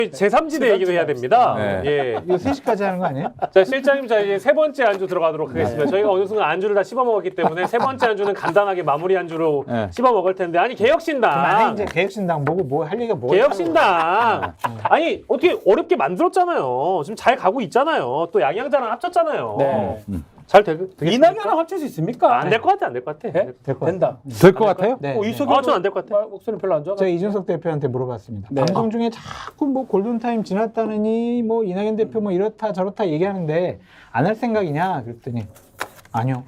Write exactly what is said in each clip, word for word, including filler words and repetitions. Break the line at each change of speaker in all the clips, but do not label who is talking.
제삼지대 얘기도 해야 됩니다.
네.
예.
이거 세 시까지 하는 거 아니에요?
자, 실장님, 자, 이제 세 번째 안주 들어가도록 하겠습니다. 저희가 어느 순간 안주를 다 씹어 먹었기 때문에 세 번째 안주는 간단하게 마무리 안주로
네.
씹어 먹을 텐데. 아니, 개혁신당.
그만해 이제 개혁신당 보고 뭐 할 얘기가 뭐야?
개혁신당. 아니, 어떻게 어렵게 만들었잖아요. 지금 잘 가고 있잖아요. 또 양양자랑 합쳤잖아요.
네.
잘 되, 되겠습니까?
이낙연랑 합칠 수 있습니까?
안 될 것 같아, 안 될 것 같아.
네?
될 것
된다.
될 것 같아요?
네.
어,
네.
이석영
아, 저는 안 될 것 같아.
목소리 별로 안 좋아.
제가 이준석 대표한테 물어봤습니다.
네.
방송 중에 자꾸 뭐 골든타임 지났다느니 뭐 이낙연 대표 뭐 이렇다 저렇다 얘기하는데 안 할 생각이냐 그랬더니 아니요.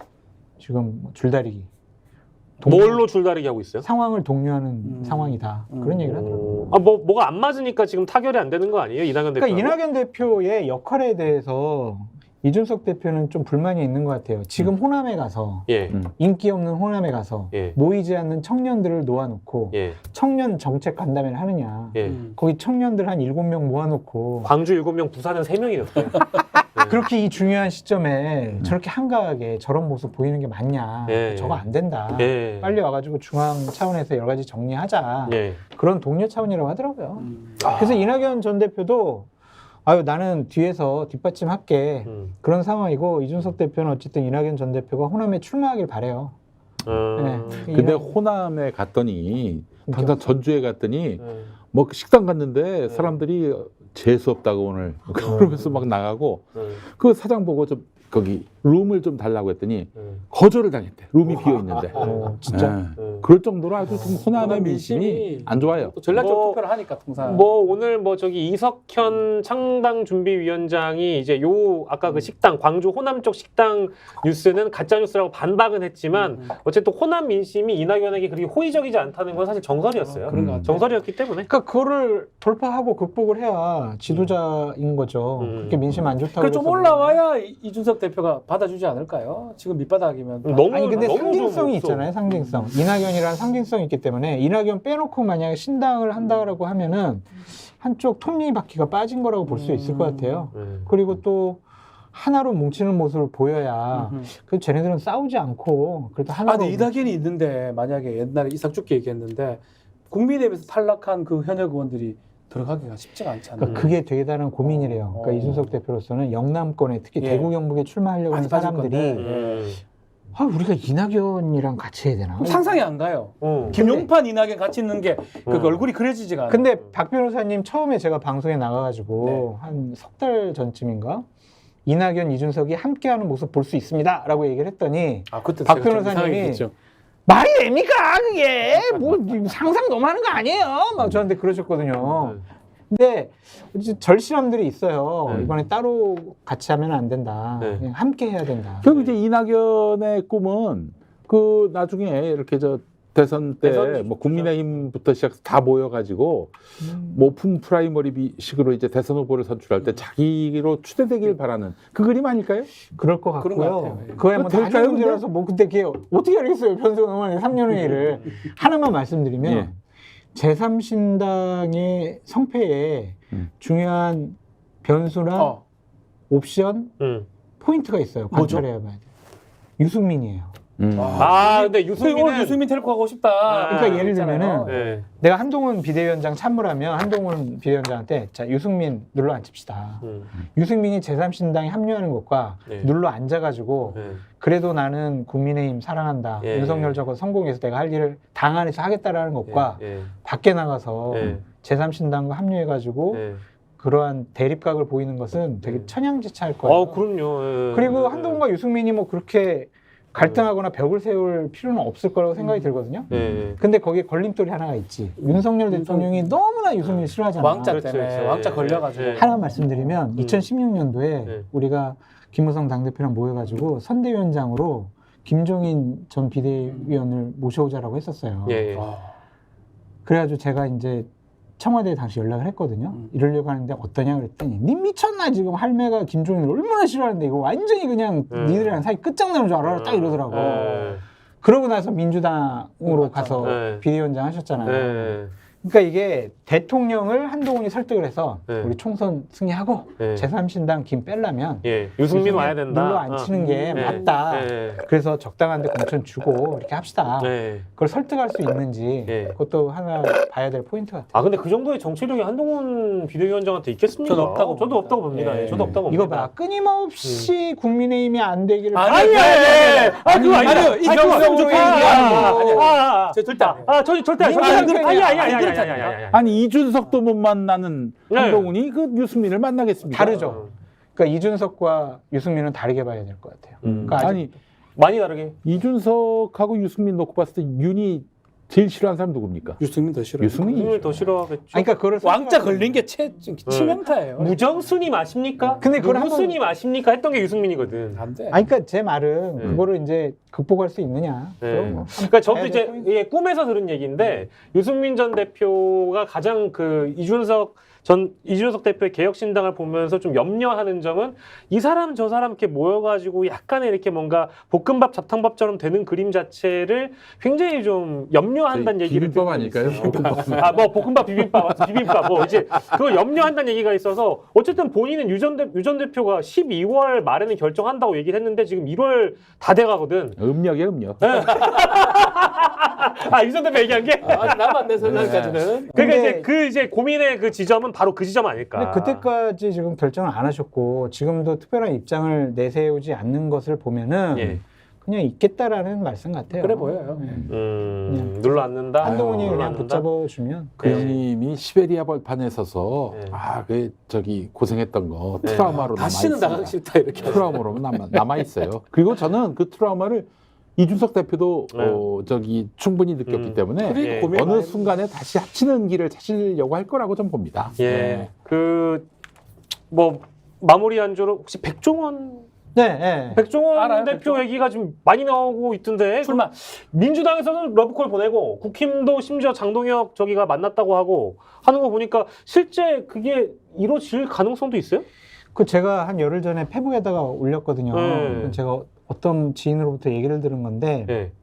지금 뭐 줄다리기. 동-
뭘로 줄다리기 하고 있어요?
상황을 독려하는
음.
상황이다.
음.
그런 얘기를 하더라고요.
아, 뭐, 뭐가 안 맞으니까 지금 타결이 안 되는 거 아니에요? 이낙연 대표.
그러니까 이낙연 대표의 역할에 대해서 이준석 대표는 좀 불만이 있는 것 같아요. 지금 호남에 가서
예.
음.
인기 없는 호남에 가서
예.
모이지 않는 청년들을 놓아놓고
예.
청년 정책 간담회를 하느냐.
예.
음.
거기 청년들 한 일곱 명 모아놓고
광주 일곱 명, 부산은 세 명이었어요.
그렇게 이 중요한 시점에 저렇게 한가하게 저런 모습 보이는 게 맞냐.
예,
저거
예.
안 된다.
예.
빨리 와가지고 중앙 차원에서 여러 가지 정리하자.
예.
그런 동료 차원이라고 하더라고요.
음.
그래서 이낙연 전 대표도 아유 나는 뒤에서 뒷받침할게.
음.
그런 상황이고 이준석 대표는 어쨌든 이낙연 전 대표가 호남에 출마하길 바래요.
음.
네.
근데
이낙-
호남에 갔더니 당장 전주에 갔더니
음.
뭐 식당 갔는데 사람들이 재수 없다고 오늘 그러면서 막 나가고
음.
그 사장 보고 좀 거기 룸을 좀 달라고 했더니
음.
거절을 당했대. 룸이 비어 있는데.
어, 진짜.
음.
그럴 정도로 아주 좀 호남의
호남
민심이
민심이
안 좋아요.
또 전략적
뭐-
투표를 하니까 통상.
뭐 오늘 뭐 저기 이석현 창당 준비위원장이 이제 요 아까 그 식당 광주 호남 쪽 식당 뉴스는 가짜 뉴스라고 반박은 했지만
음.
어쨌든 호남 민심이 이낙연에게 그렇게 호의적이지 않다는 건 사실 정설이었어요.
어, 그런 것 같아요.
정설이었기 때문에.
그러니까 그거를 돌파하고 극복을 해야 지도자인 거죠.
음.
그렇게 민심 안 좋다고.
그래 좀
해서
올라와야 이- 이준석 대표가 받아주지 않을까요? 지금 밑바닥이면.
너무
아니 근데
너무
상징성이
좀
있잖아요. 상징성. 이낙연이라는 상징성이 있기 때문에 이낙연 빼놓고 만약에 신당을 한다라고 하면은 한쪽 톱니바퀴가 빠진 거라고 볼 수 있을 것 같아요.
음.
그리고 또 하나로 뭉치는 모습을 보여야
음흠.
그 쟤네들은 싸우지 않고 그래도
아,
하나로.
근데 이낙연이 있는데 만약에 옛날에 이삭죽게 얘기했는데 국민의힘에서 탈락한 그 현역 의원들이 들어가기가 쉽지가 않잖아요.
그러니까 그게 되게 다른 고민이래요.
어.
그러니까 이준석 대표로서는 영남권에 특히
예.
대구 경북에 출마하려고 하는
많이 빠질
사람들이
건데.
음.
아 우리가 이낙연이랑 같이 해야 되나?
그럼 상상이 안 가요.
어.
김용판 이낙연 같이 있는 게 그
음.
얼굴이 그려지지가 않아요.
근데 박 변호사님 처음에 제가 방송에 나가가지고
네.
한 석 달 전쯤인가 이낙연, 이준석이 함께하는 모습 볼 수 있습니다라고 얘기를 했더니
아, 그때
박
제가 좀
변호사님이
이상하게 얘기했죠.
말이 됩니까 그게 뭐 상상 너무 하는 거 아니에요? 막 저한테 그러셨거든요. 근데 이제 절실함들이 있어요.
네.
이번에 따로 같이 하면 안 된다.
네.
그냥 함께 해야 된다.
결국 이제 이낙연의 꿈은 그 나중에 이렇게 저 대선 때
대선
뭐 국민의힘부터 시작해서 다 모여가지고
음.
모품 프라이머리식으로 이제 대선 후보를 선출할 때 자기로 추대되길 바라는 그 그림 아닐까요?
그럴 것
그런 것
같고요.
같아요. 예.
그거야 뭐
될까요,
나중
근데?
문제라서 뭐 그때 그게 어떻게 알겠어요. 변수가 넘어가는 삼 년 후의 일을. 하나만 말씀드리면
예.
제삼 신당의 성패에
음.
중요한 변수나
어.
옵션
음.
포인트가 있어요.
뭐죠?
관찰해야 봐야 돼요. 유승민이에요.
음.
아, 근데
오늘
유승민은
유승민 텔코 하고 싶다.
그러니까 예를
있잖아요.
들면은
네.
내가 한동훈 비대위원장 참모라면 한동훈 비대위원장한테 자 유승민 눌러 앉힙시다.
음.
유승민이 제삼 신당에 합류하는 것과
네.
눌러 앉아가지고
네.
그래도 나는 국민의힘 사랑한다.
예,
윤석열 저거 성공해서 내가 할 일을 당 안에서 하겠다라는 것과
예.
밖에 나가서
예.
제삼 신당과 합류해가지고
예.
그러한 대립각을 보이는 것은 되게
네.
천양지차일 거예요.
어, 그럼요. 예.
그리고
예.
한동훈과 유승민이 뭐 그렇게 갈등하거나 벽을 세울 필요는 없을 거라고 생각이 들거든요.
예.
근데 거기에 걸림돌이 하나가 있지. 윤석열 대통령이 너무나 유승민을 싫어하잖아.
왕자
그렇죠,
때문에
그렇죠.
왕자
예.
걸려가지고.
예.
하나 말씀드리면 이천십육 년도에
네.
우리가 김무성 당대표랑 모여가지고 선대위원장으로 김종인 전 비대위원을 모셔오자라고 했었어요.
예. 예.
와.
그래가지고 제가 이제 청와대에 당시 연락을 했거든요.
음.
이러려고 하는데 어떠냐 그랬더니 니 미쳤나 지금 할매가 김종인을 얼마나 싫어하는데 이거 완전히 그냥
음.
니들이랑 사이 끝장나는 줄 알아 딱 이러더라고.
예.
그러고 나서 민주당으로
어,
가서
네.
비대위원장 하셨잖아요.
예.
그러니까 이게 대통령을 한동훈이 설득을 해서
네.
우리 총선 승리하고
네.
제삼 신당 김 빼려면
예, 유승민 와야 된다.
눌러 앉히는
어.
게
네.
맞다.
네.
그래서 적당한데 공천 주고 이렇게 합시다.
네.
그걸 설득할 수 있는지
네.
그것도 하나 봐야 될 포인트 같아요.
아 근데 그 정도의 정치력이 한동훈 비대위원장한테 있겠습니까?
저는 없다고
저도
봅니다.
없다고 봅니다.
예.
예, 저도 없다고
이거
봅니다.
봐, 끊임없이 국민의힘이 안 되기를
아니,
아니, 아니, 아, 그거 아니야.
아니요, 이 경성조의 얘기하는 거.
아, 아,
저 절대 안 해요.
아, 저 절대 아니,
민주당
아니, 아니, 아니, 아니, 아니,
그렇지
아니, 아니, 아니, 아니.
아니 이준석도 못 만나는
네.
한동훈이 그 유승민을 만나겠습니까?
다르죠. 그러니까 이준석과 유승민은 다르게 봐야 될 것 같아요.
음.
그러니까 아직
아니
많이 다르게.
이준석하고 유승민 놓고 봤을 때 윤이 제일 싫어하는 사람 누굽니까?
유승민 더 싫어요.
유승민이
유승민을 더 싫어하겠죠.
아니, 그러니까 그걸
왕자
설득하는
걸린 게 채, 치명타예요.
무정수님 아십니까?
근데 그걸 한번-
무수님 아십니까? 했던 게 유승민이거든.
안 돼.
아니, 그러니까 제 말은
네.
그거를 이제 극복할 수 있느냐.
네.
그럼 뭐
그러니까 저도
봐야
이제
될 포인트.
예, 꿈에서 들은 얘기인데 유승민 전 대표가 가장 그 이준석 전 이준석 대표의 개혁신당을 보면서 좀 염려하는 점은 이 사람 저 사람 이렇게 모여가지고 약간의 이렇게 뭔가 볶음밥 잡탕밥처럼 되는 그림 자체를 굉장히 좀 염려한다는 얘기를
비빔밥
듣고
아닐까요?
있어요.
볶음밥.
아, 뭐 볶음밥, 비빔밥, 비빔밥, 뭐 이제 그걸 염려한다는 얘기가 있어서 어쨌든 본인은 유전 대 유전 대표가 십이월 말에는 결정한다고 얘기를 했는데 지금 일월 다 돼가거든.
음력이야 음력.
아, 유전 대표 얘기한 게?
아직 남았네, 설날까지는.
그러니까
근데-
이제 그 이제 고민의 그 지점은 바로 그 지점 아닐까.
근데 그때까지 지금 결정을 안 하셨고 지금도 특별한 입장을 내세우지 않는 것을 보면은
예.
그냥 있겠다라는 말씀 같아요.
그래 보여요.
네.
음, 눌러 앉는다.
한동훈이
눌러
그냥
앉는다?
붙잡아주면
그
네.
형님이 시베리아 벌판에 서서
네.
아, 그 저기 고생했던 거
네.
트라우마로 남아
다시는
있어요.
나가기 싫다 이렇게.
트라우마로 남아 남아 있어요. 그리고 저는 그 트라우마를 이준석 대표도
네.
어, 저기 충분히 느꼈기
음.
때문에
그리고
예.
고민
어느
많이
순간에 다시 합치는 길을 찾으려고 할 거라고 좀 봅니다.
예.
네.
그 뭐 마무리 안주로 혹시 백종원
네, 네.
백종원
알아요,
대표
백종원?
얘기가 좀 많이 나오고 있던데.
출마.
민주당에서는 러브콜 보내고 국힘도 심지어 장동혁 저기가 만났다고 하고 하는 거 보니까 실제 그게 이루어질 가능성도 있어요?
그 제가 한 열흘 전에 페북에다가 올렸거든요.
네.
제가 어떤 지인으로부터 얘기를 들은 건데
예.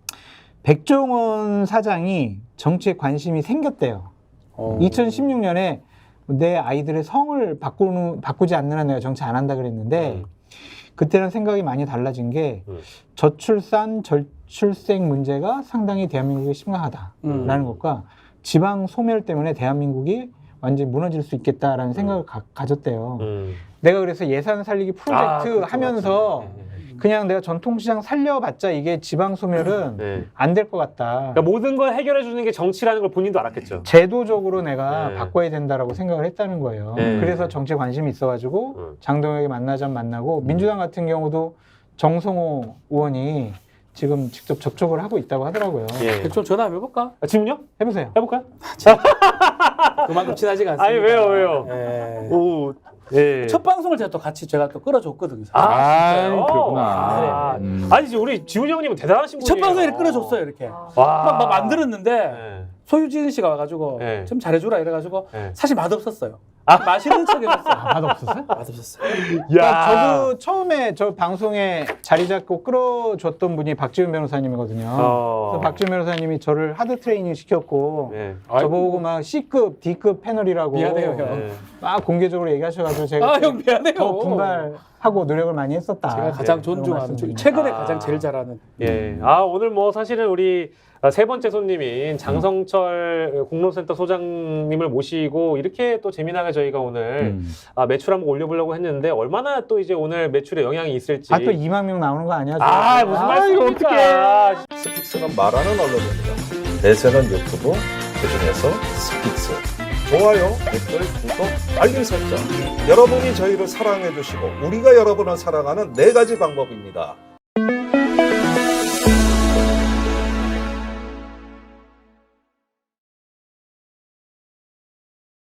백종원 사장이 정치에 관심이 생겼대요.
어.
이천십육 년에 내 아이들의 성을 바꾸는, 바꾸지 않는 한 내가 정치 안 한다 그랬는데
음.
그때는 생각이 많이 달라진 게
음.
저출산, 저출생 문제가 상당히 대한민국에 심각하다라는
음.
것과 지방 소멸 때문에 대한민국이 완전히 무너질 수 있겠다라는 생각을 가, 가졌대요.
음.
내가 그래서 예산 살리기 프로젝트
아, 그렇죠,
하면서
맞습니다. 예, 예.
그냥 내가 전통시장 살려봤자 이게 지방 소멸은
네.
안 될 것 같다.
그러니까 모든 걸 해결해 주는 게 정치라는 걸 본인도 알았겠죠.
제도적으로 내가
네.
바꿔야 된다라고 생각을 했다는 거예요.
네.
그래서 정치에 관심이 있어가지고
음.
장동혁이 만나자면 만나고 민주당 같은 경우도 정성호 의원이 지금 직접 접촉을 하고 있다고 하더라고요.
예.
좀 전화 한번 해볼까?
아, 지금요?
해보세요.
해볼까요?
그만큼 친하지가 않습니다.
아니, 왜요, 왜요?
예.
오, 예.
첫 방송을 제가 또 같이 제가 또 끌어줬거든요.
아,
아,
진짜요?
그렇구나.
아,
음.
아니, 지금 우리 지훈이 형님은 대단하신 분이에요.
첫 방송에 끌어줬어요 이렇게.
와.
막, 막 만들었는데
네.
소유진 씨가 와가지고
네.
좀 잘해주라 이래가지고
네.
사실 맛없었어요.
아.
맛있는 척 해줬어요.
아, 맛없었어요?
맛없었어요.
그러니까 저도 처음에 저 방송에 자리 잡고 끌어줬던 분이 박지훈 변호사님이거든요.
어.
그래서 박지훈 변호사님이 저를 하드 트레이닝 시켰고
네.
저보고 막 C급, D급 패널이라고
미안해요, 형.
네.
막 공개적으로 얘기하셔가지고 제가
아, 형 미안해요.
더 분발하고 노력을 많이 했었다.
제가 가장
네,
존중하는,
말씀드립니다.
최근에
아.
가장 제일 잘하는.
예. 아, 오늘 뭐 사실은 우리 세 번째 손님인 장성철 공론센터 소장님을 모시고 이렇게 또 재미나게 저희가 오늘
음.
아, 매출 한번 올려보려고 했는데 얼마나 또 이제 오늘 매출에 영향이 있을지.
아, 또 이만 명 나오는 거 아니야?
아,
지금?
무슨
아,
말씀입니까?
스픽스는 말하는 언론입니다. 대세는 유튜브, 그중에서 스픽스. 좋아요, 댓글, 구독, 알림 설정. 여러분이 저희를 사랑해 주시고 우리가 여러분을 사랑하는 네 가지 방법입니다.